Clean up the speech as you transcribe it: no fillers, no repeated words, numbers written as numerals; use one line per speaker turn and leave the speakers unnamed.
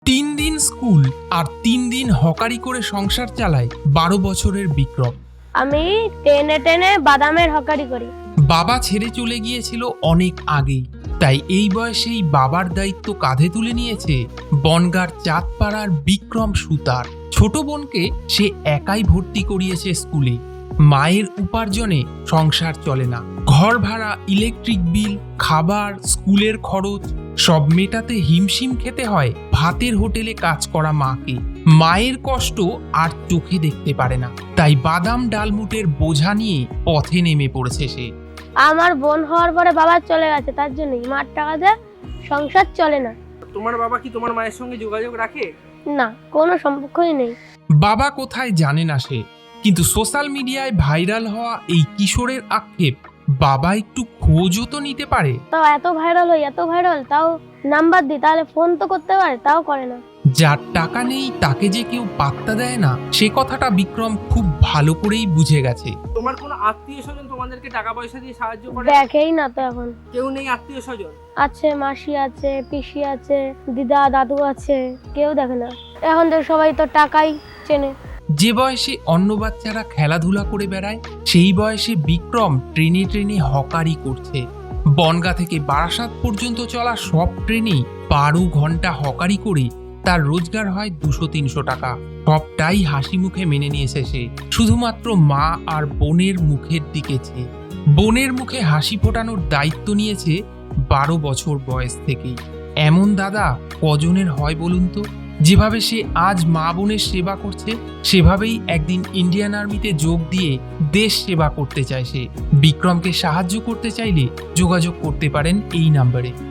3 দিন স্কুল আর 3 দিন হকারি করে সংসার চালায় 12 বছরের বিক্রম।
আমি টেনে টেনে বাদামের হকারি করি।
বাবা ছেড়ে চলে গিয়েছিল অনেক আগেই, তাই এই বয়সেই বাবার দায়িত্ব কাঁধে তুলে নিয়েছে বনগাঁর চাঁদপাড়ার বিক্রম সুতার। ছোট বোনকে সে একাই ভর্তি করিয়েছে স্কুলে। মায়ের উপার্জনে সংসার চলে না। ঘর ভাড়া, ইলেকট্রিক বিল, খাবার, স্কুলের খরচ সব মেটাতে হিমশিম খেতে হয় ভাতের হোটেলে কাজ করা মাকে। মায়ের কষ্ট আর চোখে দেখতে পারে না, তাই বাদাম ডালমুটের বোঝা নিয়ে পথে নেমে পড়েছে সে।
আমার বোন হওয়ার পরে বাবা চলে গেছে, তার জন্যই মার টাকা দিয়ে সংসার চলে না।
তোমার বাবা কি তোমার মায়ের সঙ্গে যোগাযোগ রাখে?
না, কোনো সম্পর্কই নেই।
বাবা কোথায় জানে না সে, কিন্তু সোশ্যাল মিডিয়ায় ভাইরাল হওয়া এই কিশোরের আক্ষেপ বাবা একটু খোঁজও তো নিতে পারে।
তাও এত ভাইরাল তাও নাম্বার দিই, তাহলে ফোন তো করতে পারে, তাও করে না।
যার টাকা নেই তাকে যে কেউ পাত্তা দেয় না, সে কথাটা বিক্রম খুব ভালো করেই বুঝে গেছে।
তোমার কোনো আত্মীয় স্বজন তোমাদেরকে টাকা পয়সা দিয়ে সাহায্য করে?
দেখেই না তো এখন।
কেউ নেই আত্মীয় স্বজন?
আছে, মাসি আছে, পিসি আছে, দিদা দাদু আছে, কেউ দেখে না। এখন তো সবাই তো টাকাই চেনে।
যে বয়সে অন্য বাচ্চারা খেলাধুলা করে বেড়ায়, সেই বয়সে বিক্রম ট্রেনে ট্রেনে হকারি করছে। বনগাঁ থেকে বারাসাত পর্যন্ত চলা সব ট্রেনেই 12 ঘন্টা হকারি করে তার রোজগার হয় 200-300 টাকা। সবটাই হাসি মুখে মেনে নিয়েছে সে, শুধুমাত্র মা আর বোনের মুখের দিকে চেয়ে। বোনের মুখে হাসি ফোটানোর দায়িত্ব নিয়েছে 12 বছর বয়স থেকেই। এমন দাদা কজনের হয় বলুন তো? যেভাবে সে আজ মা বোনের সেবা করছে, সেভাবেই একদিন ইন্ডিয়ান আর্মিতে যোগ দিয়ে দেশ সেবা করতে চায় সে। বিক্রমকে সাহায্য করতে চাইলে যোগাযোগ করতে পারেন এই নাম্বারে।